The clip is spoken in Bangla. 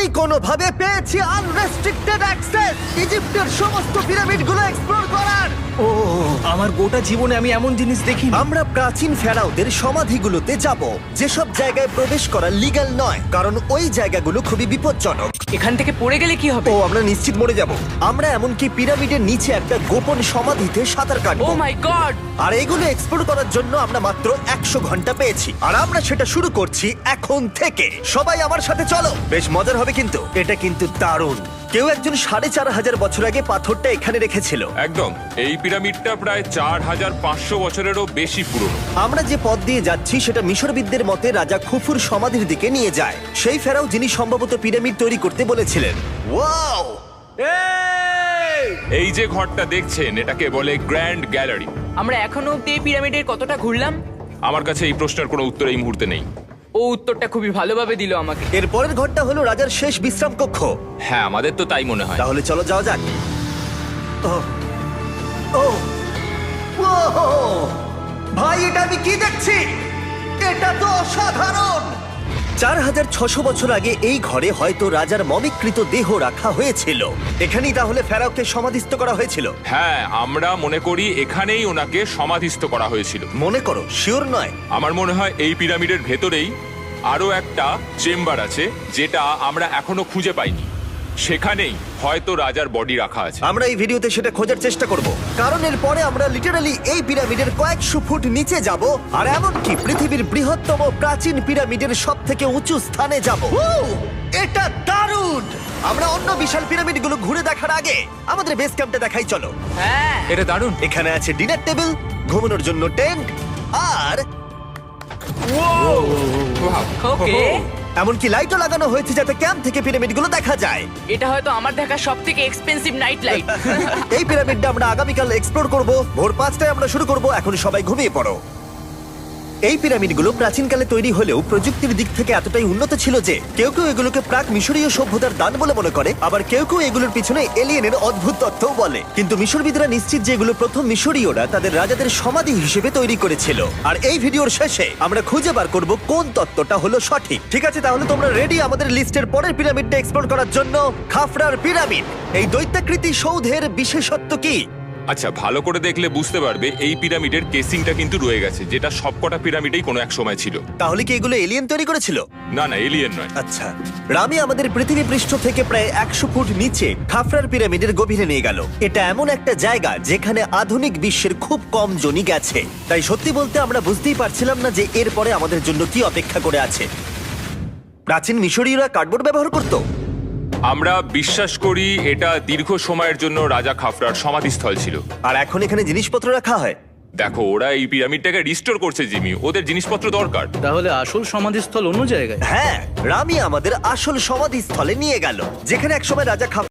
কোনোভাবে পেয়েছি আনরেস্ট্রিক্টেড অ্যাক্সেস ইজিপ্টের সমস্ত পিরামিডগুলো এক্সপ্লোর করার। ও আমার গোটা জীবনে আমি এমন জিনিস দেখিনি। আমরা প্রাচীন ফেরাওদের সমাধিগুলোতে যাব, যেসব জায়গায় প্রবেশ করা লিগ্যাল নয়, কারণ ওই জায়গাগুলো খুবই বিপজ্জনক। এখান থেকে পড়ে গেলে কি হবে? ও আমরা নিশ্চিত মরে যাব। আমরা এমনকি পিরামিডের নিচে একটা গোপন সমাধিতে সাঁতার ও কাটবো। মাই গড! আর এগুলো এক্সপ্লোর করার জন্য আমরা মাত্র 100 ঘন্টা পেয়েছি, আর আমরা সেটা শুরু করছি এখন থেকে। সবাই আমার সাথে চলো, বেশ মজার হবে কিন্তু। এটা কিন্তু দারুণ। কেউ একজন 4500 বছর আগে পাথরটা এখানে রেখেছিল। একদম, এই পিরামিডটা প্রায় 4500 বছরেরও বেশি পুরনো। আমরা যে পথ দিয়ে যাচ্ছি সেটা মিশরবিদদের মতে রাজা খুফুর সমাধির দিকে নিয়ে যায়, সেই ফেরাও যিনি সম্ভবত পিরামিড তৈরি করতে বলেছিলেন। ওয়াও! এই যে ঘরটা দেখছেন, এটাকে বলে গ্র্যান্ড গ্যালারি। আমরা এখনো অব্দি এই পিরামিডের কতটা ঘুরলাম? আমার কাছে এই প্রশ্নের কোনো উত্তর এই মুহূর্তে নেই। ও উত্তরটা খুবই ভালোভাবে দিল আমাকে। এর পরের ঘরটা হলো রাজার শেষ বিশ্রাম কক্ষ। হ্যাঁ, আমাদের তো তাই মনে হয়। তাহলে চলো যাওয়া যাক। ও ও ওহো! ভাই, এটা আমি কি দেখছি? এটা তো অসাধারণ। 4600 বছর আগে এই ঘরে হয়তো রাজার মমিকৃত দেহ রাখা হয়েছিল। এখানেই তাহলে ফেরাওকে সমাধিস্থ করা হয়েছিল। হ্যাঁ, আমরা মনে করি এখানেই ওনাকে সমাধিস্থ করা হয়েছিল। মনে করো, শিওর নয়। আমার মনে হয় এই পিরামিডের ভেতরেই আরো একটা চেম্বার আছে, যেটা আমরা এখনো খুঁজে পাইনি। সেখানেই হয়তো রাজার বডি রাখা আছে। আমরা এই ভিডিওতে সেটা খোঁজার চেষ্টা করব, কারণ এর পরে আমরা লিটারালি এই পিরামিডের কয়েকশো ফুট নিচে যাব, আর এমনকি পৃথিবীর বৃহত্তম প্রাচীন পিরামিডের সব থেকে উঁচু স্থানে যাব। এটা দারুণ! আমরা অন্য বিশাল পিরামিডগুলো ঘুরে দেখার আগে আমাদের বেস ক্যাম্পটা দেখাই চলো। হ্যাঁ, এটা দারুণ। এখানে আছে ডিনার টেবিল, ঘুমানোর জন্য টেন্ট, আর ওকে। এমনকি লাইটও লাগানো হয়েছে যাতে ক্যাম্প থেকে পিরামিডগুলো দেখা যায়। এটা হয়তো আমার দেখা সবথেকে এক্সপেন্সিভ নাইট লাইট। এই পিরামিডটা আমরা আগামীকাল এক্সপ্লোর করব। ভোর 5টায় আমরা শুরু করব। এখন সবাই ঘুমিয়ে পড়ো। এই পিরামিডগুলো প্রাচীনকালে তৈরি হলেও প্রযুক্তির দিক থেকে এতটাই উন্নত ছিল যে কেউ কেউ এগুলোকে প্রাক মিশরীয় সভ্যতার দান বলে মনে করে, আবার কেউ কেউ এগুলোর পিছনে এলিয়েনের অদ্ভুত তথ্যও বলে। কিন্তু মিশরবিদরা নিশ্চিত যে এগুলো প্রথম মিশরীয়রা তাদের রাজাদের সমাধি হিসেবে তৈরি করেছিল। আর এই ভিডিওর শেষে আমরা খুঁজে বার করব কোন তত্ত্বটা হলো সঠিক। ঠিক আছে, তাহলে তোমরা রেডি আমাদের লিস্টের পরের পিরামিডটা এক্সপ্লোর করার জন্য? খাফরার পিরামিড। এই দৈত্যাকৃতি সৌধের বিশেষত্ব কি? আচ্ছা, ভালো করে দেখলে বুঝতে পারবে এই পিরামিডের কেসিংটা কিন্তু রয়ে গেছে, যেটা সবকটা পিরামিডেই কোনো এক সময় ছিল। তাহলে কি এগুলো এলিয়েন তৈরি করেছিল? না না, এলিয়েন নয়। আচ্ছা, রামি আমাদের পৃথিবী পৃষ্ঠ থেকে প্রায় 100 ফুট নিচে খাফরার পিরামিডের গভীরে নিয়ে গেল। এটা এমন একটা জায়গা যেখানে আধুনিক বিশ্বের খুব কম জনই গেছে। তাই সত্যি বলতে আমরা বুঝতেই পারছিলাম না যে এরপরে আমাদের জন্য কি অপেক্ষা করে আছে। প্রাচীন মিশরীয়রা কার্ডবোর্ড ব্যবহার করত। আমরা বিশ্বাস করি এটা দীর্ঘ সময়ের জন্য রাজা খাফরার সমাধিস্থল ছিল। আর এখন এখানে জিনিসপত্র রাখা হয়। দেখো, ওরা এই পিরামিডটাকে রিস্টোর করছে জিমি, ওদের জিনিসপত্র দরকার। তাহলে আসল সমাধিস্থল অন্য জায়গায়? হ্যাঁ, রামি আমাদের আসল সমাধিস্থলে নিয়ে গেল, যেখানে একসময় রাজা